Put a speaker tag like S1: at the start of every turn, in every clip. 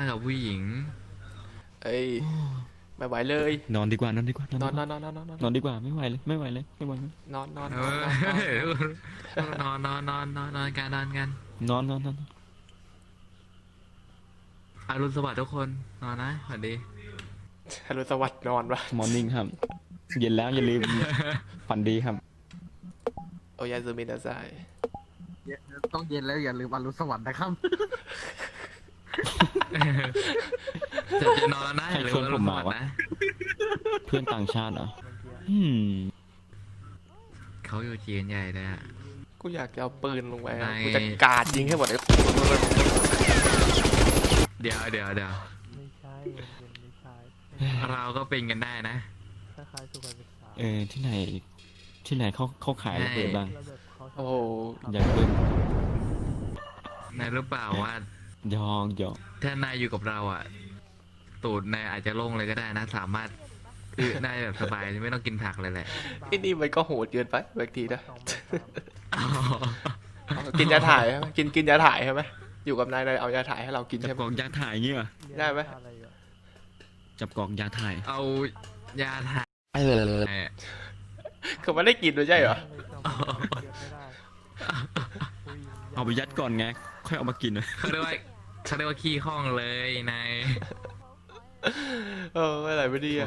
S1: มากับผู้หญิง
S2: เอ้ยไม่ไหวเลย
S3: นอนดีกว่านอนดีกว่าน
S2: นอน
S3: อนดีกว่านนอนดีกว่าไม่ไหวเลยไม่ไหวเลยไม่ไหวเลย
S2: นอนนอน
S1: เอ
S2: นอนนอน
S1: อนกันนอนกัน
S3: นอน
S1: อรุณสวัสดิ์ทุกคนนอนนะสวัสดี
S2: ฮารุสวัสดิ์นอนวะ
S3: มอร์นิ่งครับเย็นแล้วอย่าลืมฝันดีครับ
S2: โอยาซูมินาไซ
S4: ต้องเย็นแล้วอย่าลืมอรุณสวัสดิ์นะครับ
S1: จะนอนแล้วนะอย่าลืมอรุณสวัสดิ์นะ
S3: เพื่อนต่างชาติเหรอ
S1: เขาอยู่จีนใหญ่เลยอะ
S2: กูอยากจะเอาปืนลงไปกูจะกาดยิงให้หมดเลย
S1: เดี๋ยว
S5: ไม่ใช่มันไม่ใช่
S1: เราก็เป็นกันได้นะ
S5: คล้ายๆสุขศึกษา
S3: ที่ไหนเขาขายระเบิดบ้าง
S2: โอ้โห
S3: อยากเพิ่ม
S1: นายรู้เปล่าว่าย
S3: อก
S1: ถ้านายอยู่กับเราอ่ะตูดนายอาจจะโล่งเลยก็ได้นะสามารถคือนายแบบสบายไม่ต้องกินผักเลยแหละ
S2: ไอ้นี่มันก็โหดเกินไปบางทีนะกินยาถ่ายใช่ไหมกินยาถ่ายใช่ไหมอยู่กับนายเอายาถ่ายให้เรากิน
S3: จั
S2: ใช่
S3: บกล่องยาถ่ายงี้ป่ะ
S2: ได้ไหม
S3: จับกล่องยาถ่าย
S1: เอายาถ่าย
S2: คือมันได้กินด้วยใช่เหรอ
S3: เอาไปยัดก่อนไงค่อยเอามากิน
S1: เขาเรียกว่าขี้ข้องเลยนาย
S2: อะไรไม่ดีอ่ะ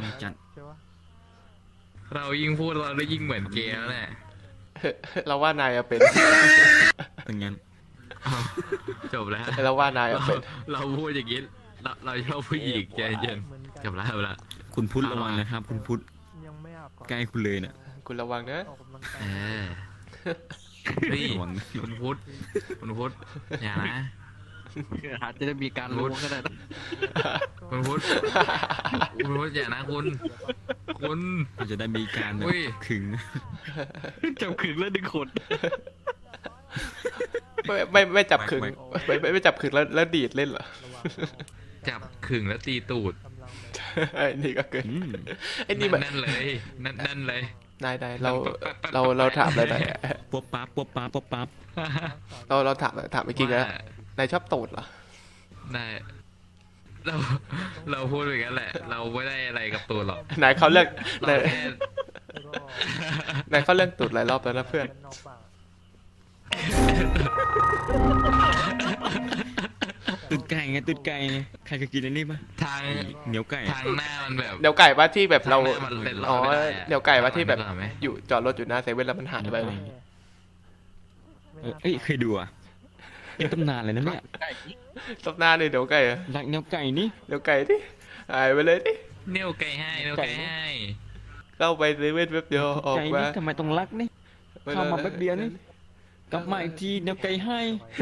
S1: เรายิ่งพูดเราได้ยิ่งเหมือนเกย์แล้วแหละ
S2: เราว่านายเป็น
S3: งั้น
S1: จบแล้ว
S2: เราว่านายเป็น
S1: เราพูดอย่างนี้เราชอบผู้หญิงใจเย็นจบแล้ว
S3: คุณพุทธระวังนะครับคุณพุทธใกล้คุณเลยเนี่ย
S2: คุณระวังนะ
S1: นี่คุณพุทธอย่านะ
S4: อาจจะได้มีการรู้ก็ได้นะ
S1: คุณพุทธอย่านะคุณ
S3: จะได้มีการขึง
S4: จับขึงแล้วดึงขน
S2: ไม่จับขึงไม่จับขึงแล้วดีดเล่นเหรอ
S1: จับขึงแล้วตีตูด
S2: ไอ้นี่ก็เกินไอ้นี่แบบ
S1: นั่นเลย
S2: ได้เราถามอะไรหน่อย
S3: ป๊บปั๊บ
S2: เราถามไปกินแล้วนายชอบตูดเหรอ
S1: ได้เราพูดอย่างนั้นแหละเราไม่ได้อะไรกับตูดหรอก
S2: นายเขาเลือกนายเขาเลือกตูดหลายรอบแล้วนะเพื่อน
S3: ตูดไก่ไงใครเคยกินอันนี้ปะ
S1: ทาง
S3: เหนียวไก่
S1: ทางหน้ามันแบบ
S2: เหนียวไก่ว่าที่แบบเราอ๋อเหนียวไก่ว่าที่แบบอยู่จอดรถอยู่หน้าเซเว่นแล้วมันหายไป
S3: เคยดูอ่ะเป็นตำนานเลยนะเนี่ย
S2: ตำนานเลยเหนียวไก่อะ
S3: รักเหนียวไก่นี่
S2: เหนียวไก่ที่หายไปเลยที่
S1: เหนียวไก่ให้
S2: เข้าไปเซเว่นแป๊บเดียวออกมา
S3: ทำไมต้องรักนี่เข้ามาแป๊บเดียวนี่กลับมาอีกทีเหนียวไก่ให้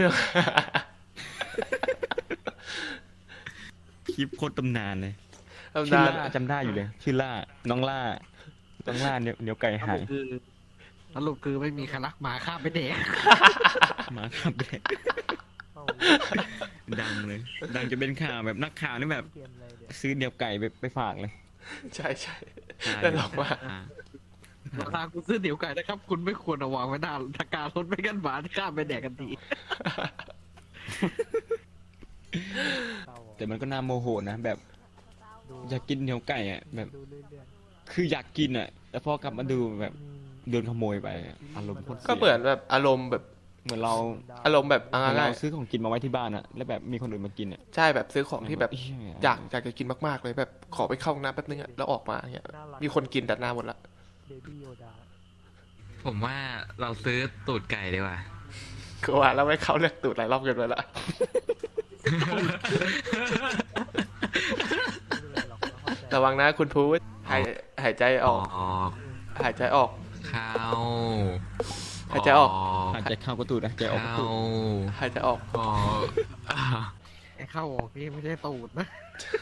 S3: คลิปโคตรตำนานเลยชื่อล่าจำได้อยู่เลยชื่อล่าน้องล่าเหนียวไก่หาย
S4: สรุปคือไม่มีใครรักหมาข้ามไปเด็ก
S3: หมาข้ามไปเด็กดังเลยดังจะเป็นข่าวแบบนักข่าวนี่แบบซื้อเหนียวไก่ไปฝากเลย
S2: ใช่แต่หรอกว่า
S4: ราคาคุณซื้อเหนียวไก่นะครับคุณไม่ควรเอาวางไว้หน้าตะการรถไม่กันหมาข้ามไปแดกกันที
S3: แต่มันก็น่าโมโหนะแบบอยากกินเหนียวไก่อ่ะแบบคืออยากกินอ่ะแต่พอกลับมาดูแบบโดนขโมยไปอารมณ์
S2: ก็เหมือนแบบอารมณ์แบบ
S3: เหมือนเรา
S2: อารมณ์แบบ
S3: เราซื้อของกินมาไว้ที่บ้านอ่ะแล้วแบบมีคนอื่นมากินอ่ะ
S2: ใช่แบบซื้อของที่แบบอยากจะกินมากๆเลยแบบขอไปเข้าห้องน้ำแป๊บนึงอ่ะแล้วออกมาเนี่ยมีคนกินแต่หน้าหมดละ
S1: ผมว่าเราซื้อตูดไก่ดีกว่า
S2: คือว่าเราไม่เข้าเลือกตูดหลายรอบเกินไปละระวังนะคุณพูดหายใจออกหายใจออก
S1: เข้า
S2: หายใจออก
S3: หายใจเข้าก็ตูดหายใจออกก็ตูด
S2: หายใจออก
S4: ไอ้เข้าออกนี่ไม่ใช่ตูดนะ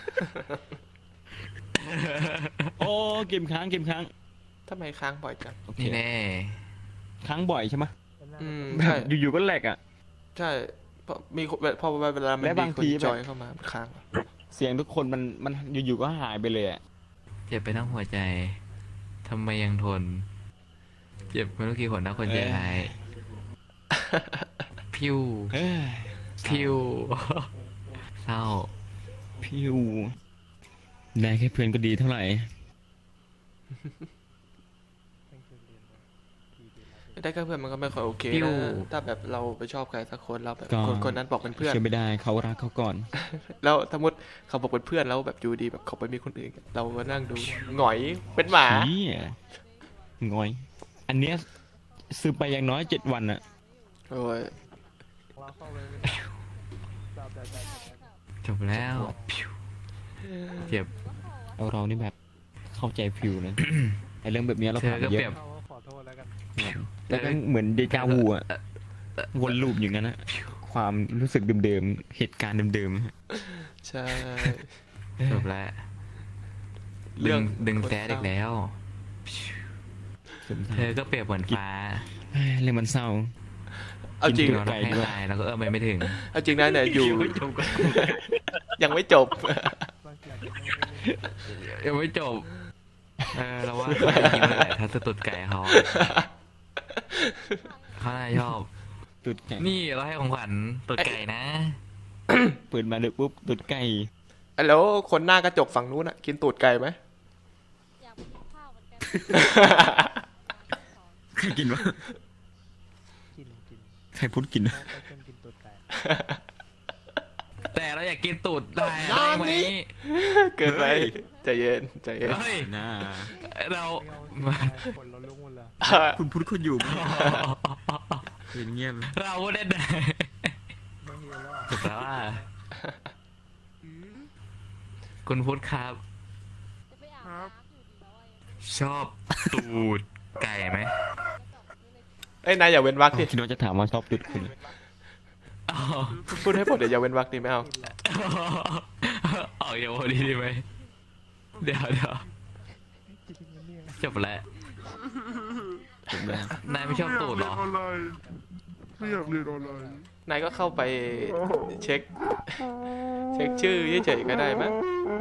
S3: โอ้เกมค้าง
S2: ทำไมค้างบ่อยจัง
S1: นี่แน่
S3: ค้างบ่อยใช่ไหม
S2: ใช่
S3: อยู่ๆก็แหลกอ่ะ
S2: ใช่พอเวลามันมีคนจอยเข้ามาค้าง
S3: เสียงทุกคนมันอยู่ๆก็หายไปเลยอ่ะ
S1: เจ็บไปทั้งหัวใจทำไมยังทนเจ็บไม่รู้กี่คนนะคนใจหายพิวเศร้า
S3: พิวได้แค่เพื่อนก็ดีเท่าไหร่
S5: ตั้งใจเรียนมากี่เดือนแล้ว
S2: ได้แค่เพื่อนมันก็ไม่ค่อยโอเค
S1: ปิ้ว
S2: นะถ้าแบบเราไปชอบใครสักคนเราแบบ
S3: ก็
S2: คนนั้นบอกเป็นเพื่อน
S3: เชื่อไม่ได้เขารักเขาก่อน
S2: แล้วสมมติเขาบอกเป็นเพื่อนแล้วแบบอยู่ดีแบบเขาไปมีคนอื่น เราก็นั่งดูหงอยเป็นหมา
S3: นี่งอย อันเนี้ยซื้อไปอย่างน้อย7 วันอะ
S2: โอ้ย
S5: เราเข้าไปจับได้
S1: จบแล้วเจ็บ
S3: เรานี่แบบเข้าใจฟิวนะ ไอเรื่องแบบเนี้ยเรา
S1: เธอ
S3: ผ่าน
S1: ก็
S3: มาเย
S1: เปรียบ
S3: อะ
S5: เขาก็ขอโทษแล้วกัน
S3: แล้วก็เหมือนเดจาวูอะวนลูปอย่างนั้นนะความรู้สึกเดิมๆเหตุการณ์เดิม
S2: ใช่
S1: จบแล้ว
S2: เรื่อง
S1: ดึงแซดอีกแล้ว
S3: ๆ
S1: เธอก็เปรียบเหมือนฟ้า
S3: เรื่องมันเศร้า
S2: เอาจริง
S3: กิน
S1: เรา
S3: ไก่
S1: ให้
S3: ด้วย
S1: ตายแล้วก็ไม่ถึง
S2: เอาจริงนะเนี่ยอยู่
S4: ไม่จบกัน
S2: ยังไม่จบ
S5: บางทีอาจจะไม่ได้เล่น
S1: ยังไม่จบ เราว่าเขาจะยิงเลยแหละถ้าสตุดไก่เขาเขาน่าชอบ
S3: ตุดไก่
S1: นี่เราให้ของขวัญตุดไก่นะ
S3: เปิดมาเด็กปุ๊บตุดไก่
S2: แล้วคนหน้ากระจกฝั่งนู้นอะกินตูดไก่ไหม
S6: อยากไปกินข้าวเหมือนกัน
S3: ใครกินวะ
S5: กิน
S3: ใครพูดกินวะ
S5: เขาไปกินตูดไก่
S1: แต่เราอยากกินตูดได้ไหม
S2: เกินไปใจเย็นใจเย็น
S1: เฮ้ย
S3: น่า
S1: เรา
S5: ไม่เอาสิคนเราลุกหมดเลย
S3: คุณพูดคนอยู่เป็นเงียบ
S1: เราก็ได้ได้
S5: ไม่เห็นแล้ว
S1: ถูกแล้วว่าคุณพุทธครับ
S6: จะไปอาบน้ำอยู่ดีแล้วอะ
S1: ชอบตูดไก่ไหม
S2: เอ้ยนายอย่าเว้นวรรคดิ
S3: คิดว่าจะถามว่าชอบตุดคุณ
S1: อ๋อ
S2: พูดให้หมดเดี๋ยวอย่าเว้นวรรคดิไม่เอา
S5: กินหรอก
S1: ออกเดี๋ยวพอดีดีไหมเดี๋ยว
S5: จริงนะเนี่ย
S1: จบแล้ว
S3: จบแล้ว
S1: นายไม่ชอบตูดเหรอ
S2: นายก็เข้าไปเช็ค ชื่อเฉยๆก็ได้มั้ง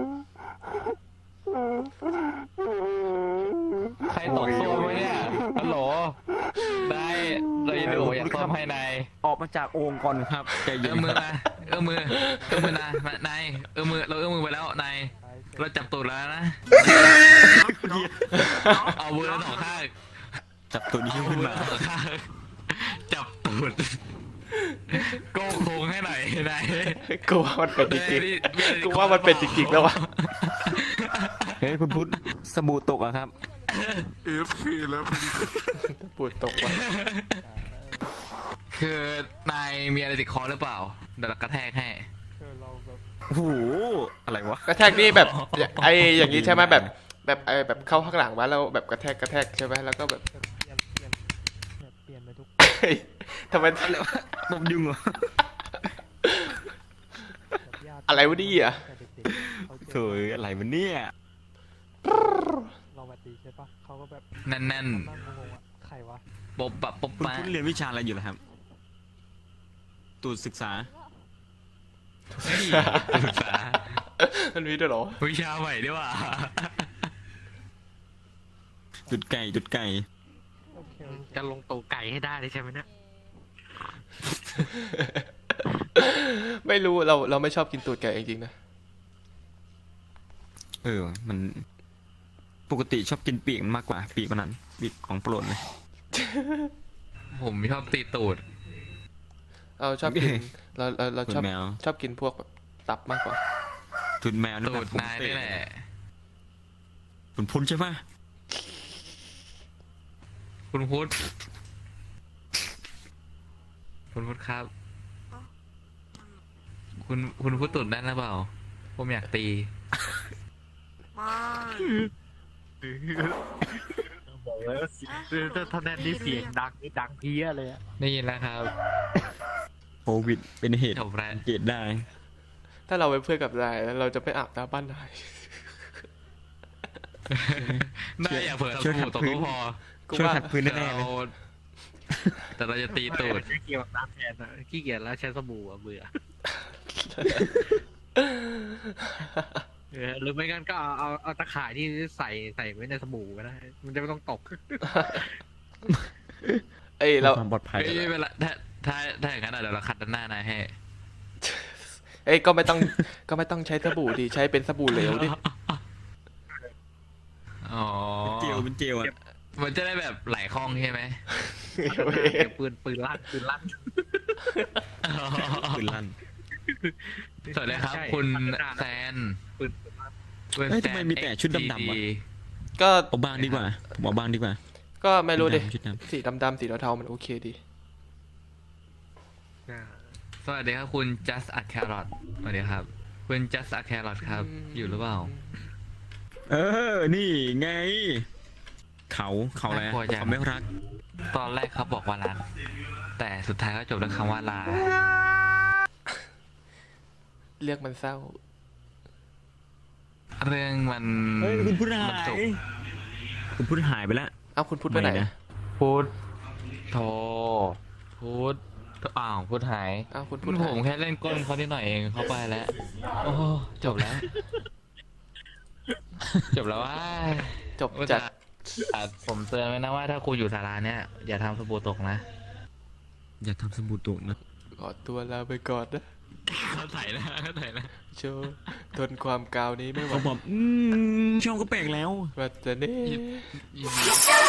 S1: ใครตกโซ่ไว้เนี่ยฮัลโหลได้เราจะดูอยากซ่อมให้นาย
S3: ออกมาจากโอ่งก่อนครับใจเย็
S1: เอื้
S3: น
S1: อมือนะเอื้อมือนะนายเอื้อมือเราเอื้อมือไปแล้วนาย
S5: ใช่เสร็จ
S1: เราจับตูดแล้วนะเอามือทั้งสองข้าง
S3: จับตัวนี้ขึ้นมา
S1: เอทั้งสองข้างจับตูดโก้โค้งให้หน่อยนาย
S2: กูว่ามันเป็นจริงๆกูว่ามันเป็นจริงๆแล้ววะ
S3: เฮ้ยคุณพุทธสบู่ตกอะครับ
S2: ปวดตกว่ะ
S1: คือนายมีอะไรติดคอหรือเปล่าเดี๋ยวเรากระแทกให้
S5: คือเราแบบ
S3: โอ้โหอะไรวะ
S2: กระแทกนี่แบบไอ้อย่างนี้ใช่ไหมแบบไอ้แบบเข้าข้างหลังมาแล้วแบบกระแทกใช่ไหมแล้วก็แบบ
S5: เปลี่ยนไปทุก
S2: เฮ้ยทำไม
S3: ตบยุงเหรอ
S5: แบบญาติ
S2: อะไรวะนี่อ่ะ
S5: แต่เด็กๆเขาเจ
S3: เฮ้ยอะไรวะเนี่ย
S5: เราแบบดีใช่ปะเขาก็แบบ
S1: แน่น
S5: นั่งงงๆอ่ะใครวะ
S1: ๆปบปะปบ
S3: คุณ
S1: ปะ
S3: พุทธเรียนวิชาอะไรอยู่ล่ะครับ ตูดศึกษา
S1: ศึกษา
S2: มันมีด้วยเหรอ
S1: วิชาใหม่ด้วยว่ะ
S3: จุดไก่จุดไก่
S5: โอเค
S4: จะลงตัวไก่ให้ได้เลยใช่ไหมเนี่ย
S2: ไม่รู้เราไม่ชอบกินตูดไก่จริงๆนะ
S3: มันปกติชอบกินปีกมันมากกว่า ปีกมันนั้นปีกของโปรดเลย
S1: ผมชอบตีตูด
S2: เราชอบกินเรา
S3: ตู
S2: ชอบ
S3: ดแมว
S2: ชอบกินพวกแบบตับมากกว่า
S3: ตูดแมวนี่
S1: ตู
S3: แบบ
S1: ด
S3: ผม
S1: นาย
S3: เตะ
S1: นี่แหละ
S3: คุณพุทธใช่ปะ
S1: คุณพุทธคุณพุทธครับ คุณพุทธตูดได้หรือเปล่า ผมอยากตี
S4: บอกแล้วถ้าแน่นนี่เสียงดังนี่ดังเพี้ยเลยอะ
S1: ได้ยินแล้วครับ
S3: โควิดเป็นเหตุ
S1: จบแล้ว
S3: สังเกตได้
S2: ถ้าเราเป็นเพื่อนกับนายแล้วเราจะไม่อาบน้ำบ้านนาย
S1: ได้อย่าเผลอ
S3: ช่วย
S1: ตู
S3: ขั
S1: ด
S3: ด
S1: ตก
S3: พื้น
S1: ก็พอ
S2: กู
S3: ช่วย
S2: ว่า
S3: ขัดพื้นแน่ๆเลย
S1: แต่เราจะตีตูด
S4: ขี้เกียจน้ำแทนอะขี้เกียจแล้วใช้สบู่อะเบื่อหรือไม่งั้นก็เอาตะข่ายที่ใส่ไว้ในสบู่ก็ได้ มันจะไม่ต้องตก
S2: เอ้ยเรา
S3: ความปลอดภัย
S1: เฮ้ยเวลาถ้าอย่างนั้นอะเดี๋ยวเราขัดด้านหน้านายให้
S2: เอ้ยก็ไม่ต้องใช้สบู่ดิใช้เป็นสบู่เหลวดิ
S1: อ๋อ
S3: เจลเป็นเจลอ่ะ
S1: มันจะได้แบบไหลคล่องใช่ไหม
S4: เก็บปืนลั่น
S3: ปืนลั่น
S1: สวัสดีครับ
S4: ใช่
S1: คุณแซน
S4: ปืน
S1: คุณ
S3: เฮ้ย
S1: แซ
S3: ทำไม
S1: น
S3: มีแต่ชุดดำๆวะ
S1: XGD
S2: ก็
S3: เอาบ้างดีกว่าผมเอาบ้างดีกว่า
S2: ก็ไม่รู้ดิ
S3: ชุดดำ
S2: สีดำๆสีเทาๆมันโอเคดี
S1: สวัสดีครับคุณ just a carrot สวัสดีครับ คุณ just a carrot ครับ อยู่หรือเปล่า
S3: เออ นี่ไง เขาอะไร
S1: น่ากลัวจัง
S3: เขาไม่รัก
S1: ตอนแรกเขาบอกว่ารักแต่สุดท้ายก็จบด้วยคำว่าลา
S2: เรียกมันเศร้า
S1: เรื่องมัน
S3: เฮ้ยคุณพูดหา
S1: มันสุ
S3: ย
S1: ก
S3: คุณพูดหายไปแล้ว
S2: เอ้าคุณพูดไปไหน
S3: ม่นะ
S1: พูดโทพูดอ้าวพูดหาย
S2: เอ้าคุณ
S1: ผ
S2: พูดหาย
S1: มแค่เล่นก้นเขานิดหน่อยเองเขาไปแล้ว โอ้จบแล้ว จบแล้วว่า
S2: จบจัด
S1: ผมเตือนไว้นะว่าถ้าคุณอยู่ศาลาเนี่ย อย่าทำสบู่ตกนะ
S3: อย่าทำสบู่ตกนะ
S2: ขอตัวลาไปก่อนนะ
S1: เขาใส่นะเขาใส่นะ
S2: โชว์ทนความกาวนี้ไม่ไหว
S3: เขาบอกช่องก็แปลกแล้ว
S2: วัดจะเน่
S1: ยินดี